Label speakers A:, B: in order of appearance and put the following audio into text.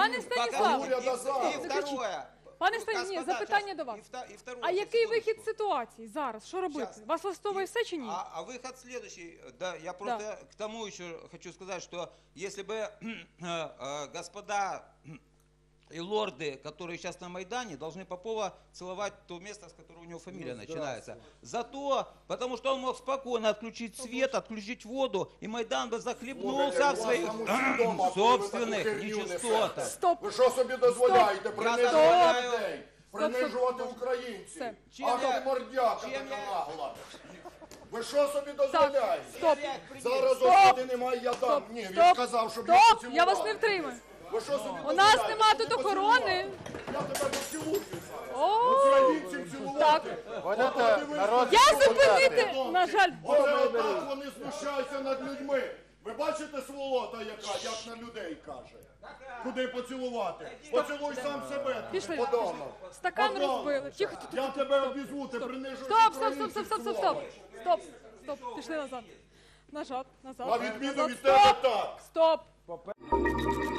A: Пане Станіславе,
B: И второе.
A: Пане Станіславе, запитання до вас. А який вихід з ситуації зараз? Що робити? Вас влаштовує все чи ні?
B: А выход следующий. Да, я просто к тому еще хочу сказать, что если бы господа и лорды, которые сейчас на Майдане, должны Попова целовать то место, с которого у него фамилия начинается. Зато, потому что он мог спокойно отключить свет, отключить воду, и Майдан бы захлебнулся в своих собственных нечистотах.
A: Стоп!
C: Ви що собі дозволяєте? Принижувати людей, принижувати
A: Все.
C: українців.
B: Чим
C: А
B: я-
C: ти мордяка
B: чим
C: така
B: я-
C: нагла. Ви що собі дозволяєте?
A: Стоп!
C: Зараз
A: Стоп!
C: осади немає, я дам. Ні, він
A: Стоп!
C: сказав, щоб я
A: Стоп!
C: поцілував.
A: Я вас не втримаю.
C: Ви що собі
A: У нас
C: дозволяєте?
A: нема
C: Щоб
A: тут
C: ти поцілував?
A: охорони.
C: Я тебе поцілую зараз.
A: О,
C: Українців цілувати.
A: я зупинити, на жаль,
C: Оце отак вони знущаються над людьми. Ви бачите сволота яка, як на людей каже? Куди поцілувати? Поцілуй сам себе.
A: пішли.
C: Подонок.
A: Стакан
C: Подонок.
A: розбили. Тихо, тихо,
C: Я тебе обізву, ти принижуєш
A: Стоп, стоп, стоп,
C: українців,
A: стоп, стоп, стоп,
C: сволоч.
A: стоп. Стоп, стоп, пішли назад. Назад, назад.
C: На відміну
A: назад.
C: від тебе так.
A: Стоп!